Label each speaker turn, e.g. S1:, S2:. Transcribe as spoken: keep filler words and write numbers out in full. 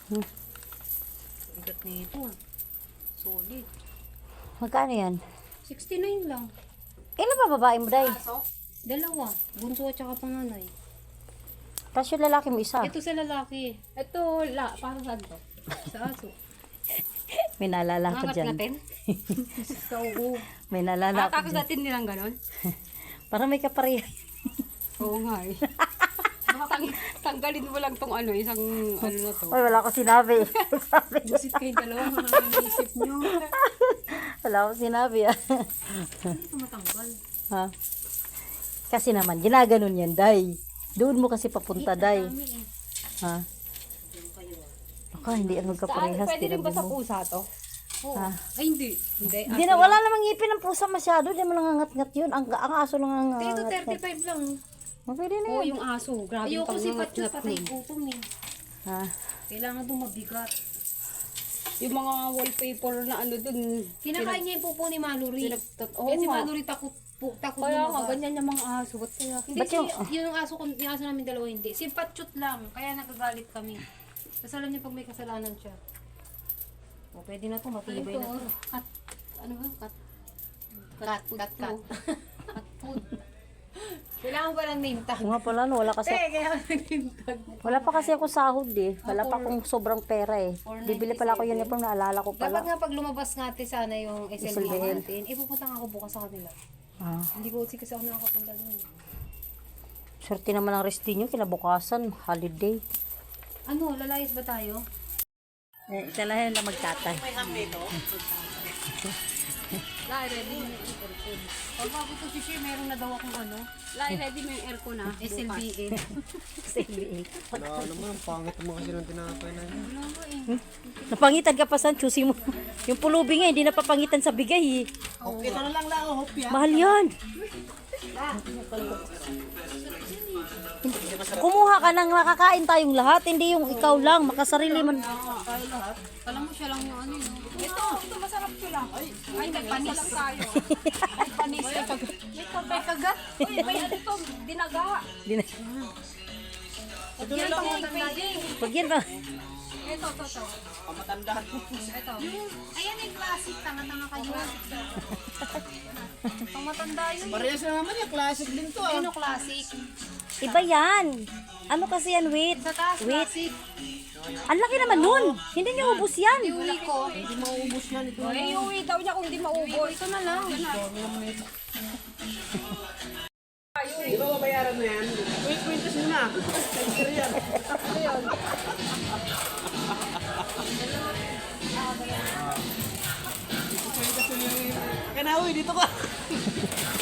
S1: Hmm.
S2: Bigat nito. Solid.
S1: Magkano yan?
S2: sixty-nine lang.
S1: Ilan ba babae mo, day?
S2: Aso? Dalawa. Bunso at saka panganay.
S1: Tapos yung lalaki mo isa.
S2: Ito sa lalaki. Ito, la, para saan to? Sa aso.
S1: May naalala ko
S2: Angat
S1: dyan.
S2: natin? Sa uho.
S1: May naalala ko
S2: Tapos
S1: dyan.
S2: natin nilang ganon?
S1: Parang may kapareha.
S2: Oo nga eh. Baka tang tanggalin mo lang tong ano, isang ano na to.
S1: Ay, wala ko sinabi. Sabi.
S2: Busit kayo dalawa, mga naisip nyo.
S1: Wala ko sinabi ah.
S2: Hindi ito matanggal.
S1: Ha? Kasi naman, ginaganon yan, day. Doon mo kasi papunta, day.
S2: Dami eh.
S1: Ha? Baka hindi ang magkaparehas.
S2: Saan? Pwede rin ba
S1: tinabi
S2: sa
S1: mo.
S2: pusa to? Oo.
S1: Ha?
S2: Ay hindi. Hindi.
S1: Hindi na, wala namang ngipin ng pusa masyado. Hindi mo lang ngat-ngat yun. Ang, ang aso lang ang
S2: Ito
S1: ngat-ngat.
S2: thirty-five lang.
S1: Oh, pwede na
S2: Oo,
S1: yun.
S2: yung aso. Grabe
S3: Ayoko
S2: pang
S3: si
S2: ngat
S3: Patyo patay
S2: nun.
S3: gutom eh.
S1: Ha?
S3: Kailangan doon mabigat.
S2: Yung mga wallpaper na ano dun.
S3: Kinakain niya yung pupo ni Mallory.
S2: Pinagtat. Oo
S3: Kasi
S2: nga.
S3: Mallory takot po, takot
S2: Kaya nga,
S3: lumabas.
S2: ganyan yung mga aso. Ba't kaya?
S3: Hindi
S1: Ba't
S3: si,
S1: yung-
S3: yung, aso ko, yung aso namin dalawa hindi. Si Patchut lang, kaya nagagalit kami. Kasi alam niya pag may kasalanan siya. O, pwede na to, matibay na to.
S2: Cat. Ano ba? Cat.
S3: Cat, cat, cat. Cat food. Kailangan ba ng name tag?
S1: Oo nga pala, no, wala kasi.
S3: Eh, kaya ng name tag.
S1: Wala pa kasi ako sahod eh. Wala pa akong sobrang pera eh.
S3: four
S1: Bibili pala ako yun uniform, naalala ko
S3: Dapat
S1: pala.
S3: nga pag lumabas nga ate sana yung S L B
S1: S L B L.
S3: natin, ipupunta nga ako bukas sa kanila.
S1: Ah.
S3: Hindi ko kasi ako nakakapunta doon.
S1: Swerte naman ang resti nyo, kinabukasan, holiday.
S3: Ano, lalayas ba tayo?
S1: Eh, isa lang na magtatay.
S2: Lai, ready mo yung aircon.
S3: Pag bago to si Shea, meron na daw akong ano,
S2: Lai, ready mo yung aircon ha.
S3: S L B A.
S1: S L B A.
S4: Wala naman, ang pangit mo kasi ng tinapay na yun.
S3: Ano ba eh?
S1: Napangitan ka pa saan, choosy mo. Yung pulubi nga, hindi napapangitan sa bigay eh.
S4: Okay, ito na lang lang, oh, hopya.
S1: Mahal yan. Kumuha ka nang makakain tayong lahat, hindi yung ikaw lang, makasarili man.
S2: Kala mo siya lang yung ano yun. Ito, ito masarap ko lang. Ay, ay may panis lang tayo. May panis. May kagat. May kagat. Uy, may ano to, dinaga.
S1: Di na-
S4: Ito na lang, oh.
S1: Pag yan ba?
S2: Ito, ito, ito.
S4: Pamatandaan.
S2: Ito.
S3: Ayan yung classic, tanga-tanga kayo.
S2: Pang matanda yun.
S4: Parehas na naman yan, classic din to ah.
S3: Ano classic?
S1: Iba yan. Ano kasi yan, wait.
S3: Sa taas,
S1: Wait.
S3: classic.
S1: Ang laki naman nun. Hindi niyo ubus yan.
S3: Iuwi ko.
S4: Hindi mauubos yan ito.
S2: Eh, iuwi daw niya kung di maubos. Ito na lang.
S4: Di ba mabayaran na yan? Wait, wait, kasi na. Sensor yan. Kaya na, uy, dito ka.